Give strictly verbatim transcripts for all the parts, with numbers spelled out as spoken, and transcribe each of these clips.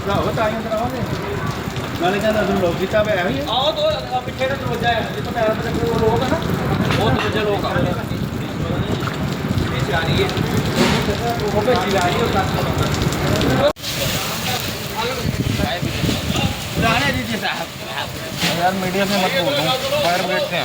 ਭਰਾਵਾ ਤਾਂ ਹੀ ਅੰਦਰ ਆਵਾਂਗੇ ਨਾਲੇ ਕਹਿੰਦਾ ਤੂੰ ਲੋਕ ਕੀਤਾ ਪਿਆ ਇਹੀ ਆਓ ਦੋ ਪਿੱਛੇ ਦਾ ਦਰਵਾਜ਼ਾ ਹੈ ਜਿੱਥੇ ਪੈਰ ਤੇ ਉਹ ਲੋਕ ਹੈ ਨਾ ਉਹ ਦਰਵਾਜ਼ਾ ਲੋਕ ਆ ਇਹ ਜਾ ਰਹੀ ਹੈ ਉਹ ਭੇਜੀ ਜਾ ਰਹੀ ਹੈ ਉਹ राणा जी जी साहब यार मीडिया में मत बोल दूँ फायर ब्रिगेड से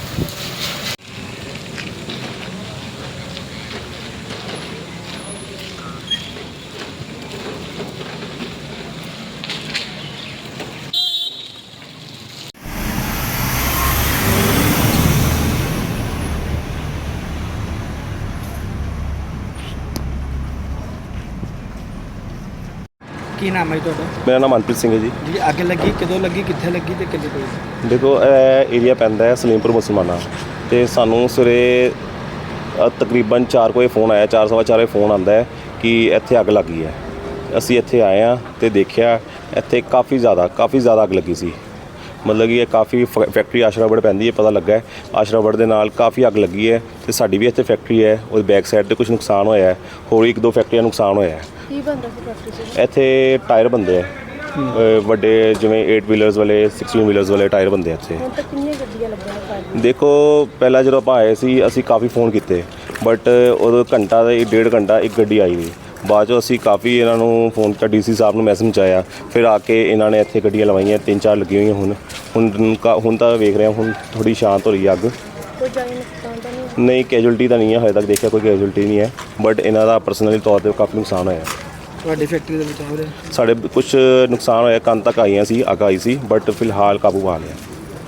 ਕੀ ਨਾਮ ਹੈ ਤੁਹਾਡਾ? ਮੇਰਾ ਨਾਮ ਮਨਪ੍ਰੀਤ ਸਿੰਘ ਹੈ ਜੀ। ਜੀ ਅੱਗ ਲੱਗੀ ਕਦੋਂ ਲੱਗੀ ਕਿੱਥੇ ਲੱਗੀ ਤੇ ਕਿੰਨੇ ਕੋਈ? ਦੇਖੋ ਇਹ ਏਰੀਆ ਪੈਂਦਾ ਹੈ ਸਲੀਮਪੁਰ ਮੁਸਲਮਾਨਾ ਤੇ ਸਾਨੂੰ ਸਵੇਰੇ ਤਕਰੀਬਨ ਚਾਰ ਕੋਈ ਫੋਨ ਆਇਆ ਚਾਰ ਸਵਾ ਚਾਰ ਵਜੇ ਫੋਨ ਆਉਂਦਾ ਹੈ ਕਿ ਇੱਥੇ ਅੱਗ ਲੱਗੀ ਹੈ। ਅਸੀਂ ਇੱਥੇ ਆਏ ਹਾਂ ਤੇ ਦੇਖਿਆ ਇੱਥੇ ਕਾਫੀ ਜ਼ਿਆਦਾ ਕਾਫੀ ਜ਼ਿਆਦਾ ਅੱਗ ਲੱਗੀ ਸੀ। ਮਤਲਬ ਕਿ ਇਹ ਕਾਫੀ ਫੈਕਟਰੀ ਆਸ਼ਰਾਵੜ ਪੈਂਦੀ ਹੈ ਪਤਾ ਲੱਗਾ ਹੈ ਆਸ਼ਰਾਵੜ ਦੇ ਨਾਲ ਕਾਫੀ ਅੱਗ ਲੱਗੀ ਹੈ ਤੇ ਸਾਡੀ ਵੀ ਇੱਥੇ ਫੈਕਟਰੀ ਹੈ ਉਹਦੀ ਬੈਕ ਸਾਈਡ ਤੇ ਕੁਝ ਨੁਕਸਾਨ ਹੋਇਆ ਹੈ ਹੋਰ ਇੱਕ ਦੋ ਫੈਕਟਰੀਆਂ ਨੁਕਸਾਨ ਹੋਇਆ ਹੈ। ਕੀ ਬਣਦਾ ਸੀ ਫੈਕਟਰੀ 'ਚ? ਇੱਥੇ ਟਾਇਰ ਬਣਦੇ ਆ ਵੱਡੇ ਜਿਵੇਂ ਏਟ ਵੀਲਰਸ ਵਾਲੇ ਸਿਕਸਟੀਨ ਵੀਲਰਸ ਵਾਲੇ ਟਾਇਰ ਬਣਦੇ ਆ ਇੱਥੇ। ਹੁਣ ਤੱਕ ਕਿੰਨੀਆਂ ਗੱਡੀਆਂ ਲੱਗੀਆਂ ਫਾਇਰ? ਦੇਖੋ ਪਹਿਲਾਂ ਜਦੋਂ ਆਪਾਂ ਆਏ ਸੀ ਅਸੀਂ ਕਾਫੀ ਫੋਨ ਕੀਤੇ ਬਟ ਉਦੋਂ ਘੰਟਾ ਦਾ ਡੇਢ ਘੰਟਾ ਇੱਕ ਗੱਡੀ ਆਈ ਨਹੀਂ। ਬਾਅਦ 'ਚੋਂ ਅਸੀਂ ਕਾਫੀ ਇਹਨਾਂ ਨੂੰ ਫੋਨ ਕੀਤਾ ਡੀ ਸੀ ਸਾਹਿਬ ਨੂੰ ਮੈਸੇਜ ਪਹੁੰਚਾਇਆ ਫਿਰ ਆ ਕੇ ਇਹਨਾਂ ਨੇ ਇੱਥੇ ਗੱਡੀਆਂ ਲਵਾਈਆਂ ਤਿੰਨ ਚਾਰ ਲੱਗੀਆਂ ਹੋਈਆਂ ਹੁਣ ਹੁਣ ਹੁਣ ਤਾਂ ਵੇਖ ਰਹੇ ਹੁਣ ਥੋੜ੍ਹੀ ਸ਼ਾਂਤ ਹੋ ਰਹੀ ਹੈ ਅੱਗ। ਕੋਈ ਜਾਨੀ ਨੁਕਸਾਨ ਤਾਂ ਨਹੀਂ? ਨਹੀਂ ਕੈਜੁਅਲਟੀ ਤਾਂ ਨਹੀਂ ਹੈ ਹਜੇ ਤੱਕ ਦੇਖਿਆ ਕੋਈ ਕੈਜੁਅਲਟੀ ਨਹੀਂ ਹੈ ਬਟ ਇਹਨਾਂ ਦਾ ਪਰਸਨਲੀ ਤੌਰ 'ਤੇ ਕਾਫੀ ਨੁਕਸਾਨ ਹੋਇਆ। ਤੁਹਾਡੀ ਫੈਕਟਰੀ ਦੇ ਵਿੱਚ ਹੋ ਰਿਹਾ? ਸਾਡੇ ਕੁਝ ਨੁਕਸਾਨ ਹੋਇਆ ਕੰਨ ਤੱਕ ਆਈਆਂ ਸੀ ਅੱਗ ਆਈ ਸੀ ਬਟ ਫਿਲਹਾਲ ਕਾਬੂ ਪਾ ਲਿਆ।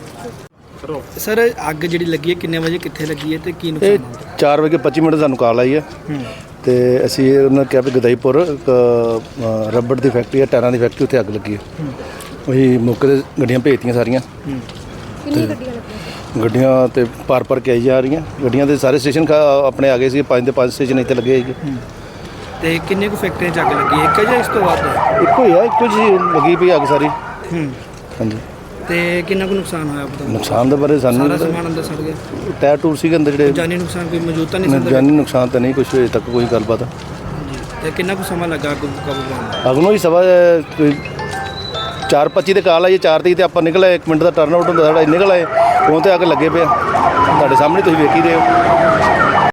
ਸਰ ਅੱਗ ਜਿਹੜੀ ਲੱਗੀ ਹੈ ਕਿੰਨੇ ਵਜੇ ਕਿੱਥੇ ਲੱਗੀ ਹੈ ਤੇ ਕੀ ਇਹ ਨੁਕਸਾਨ ਹੋਇਆ? ਚਾਰ ਵਜੇ ਪੱਚੀ ਮਿੰਟ ਸਾਨੂੰ ਕਾਲ ਆਈ ਹੈ ਤੇ ਅਸੀਂ ਉਹਨਾਂ ਕਿਹਾ ਵੀ ਗਦਾਈਪੁਰ ਇੱਕ ਰਬੜ ਦੀ ਫੈਕਟਰੀ ਹੈ ਟਾਇਰਾਂ ਦੀ ਫੈਕਟਰੀ ਉੱਥੇ ਅੱਗ ਲੱਗੀ ਹੈ। ਉਹੀ ਮੌਕੇ 'ਤੇ ਗੱਡੀਆਂ ਭੇਜਤੀਆਂ ਸਾਰੀਆਂ। ਕਿੰਨੀਆਂ ਗੱਡੀਆਂ ਲੱਗੀਆਂ? ਗੱਡੀਆਂ ਤੇ ਪਾਰ ਪਾਰ ਕੇ ਆਈ ਜਾ ਰਹੀਆਂ ਗੱਡੀਆਂ ਦੇ ਸਾਰੇ ਸਟੇਸ਼ਨ ਆਪਣੇ ਆ ਗਏ ਸੀ ਪੰਜ ਦੇ ਪੰਜ ਸਟੇਸ਼ਨ ਇੱਥੇ ਲੱਗੇ ਸੀਗੇ। ਤੇ ਕਿੰਨੇ ਕੁ ਫੈਕਟਰੀਆਂ 'ਚ ਅੱਗ ਲੱਗੀ ਹੈ? ਇੱਕ ਜਾਂ ਇਸ ਤੋਂ ਵੱਧ? ਇੱਕੋ ਹੀ ਆ ਇੱਕੋ ਜੀ ਲੱਗੀ ਪਈ ਅੱਗ ਸਾਰੀ। ਹਾਂਜੀ ਤੇ ਕਿੰਨਾ ਕੁ ਨੁਕਸਾਨ ਹੋਇਆ ਪਤਾ? ਨੁਕਸਾਨ ਦੇ ਬਾਰੇ ਸਾਨੂੰ ਸਾਰਾ ਸਮਾਨ ਅੰਦਰ ਸੜ ਗਿਆ? ਟਾਇਰ ਟੂਰ ਸੀਗੇ ਅੰਦਰ ਜਿਹੜੇ ਜਾਨੀ ਨੁਕਸਾਨ ਕੋਈ ਮੌਜੂਦ ਤਾਂ ਨਹੀਂ ਸੀ ਅੰਦਰ? ਜਾਨੀ ਨੁਕਸਾਨ ਤਾਂ ਨਹੀਂ ਕੁਛ ਅਜੇ ਤੱਕ ਕੋਈ ਗੱਲਬਾਤ। ਜੀ ਤੇ ਕਿੰਨਾ ਕੁ ਸਮਾਂ ਲੱਗਾ ਅੱਗ ਨੂੰ ਕਾਬੂ ਪਾਉਣ? ਅੱਗ ਨੂੰ ਹੀ ਸਵਾ ਕੋਈ ਚਾਰ ਪੱਚੀ ਤੇ ਕਾਲ ਆਈ ਚਾਰ ਤੀਹ ਤੇ ਆਪਾਂ ਨਿਕਲੇ ਇੱਕ ਮਿੰਟ ਦਾ ਟਰਨ ਆਊਟ ਹੁੰਦਾ ਸਾਡਾ ਨਿਕਲ ਆਏ ਉਹ ਤੇ ਅੱਗ ਲੱਗੇ ਪਿਆ ਤੁਹਾਡੇ ਸਾਹਮਣੇ ਤੁਸੀਂ ਵੇਖ ਹੀ ਰਹੇ ਹੋ।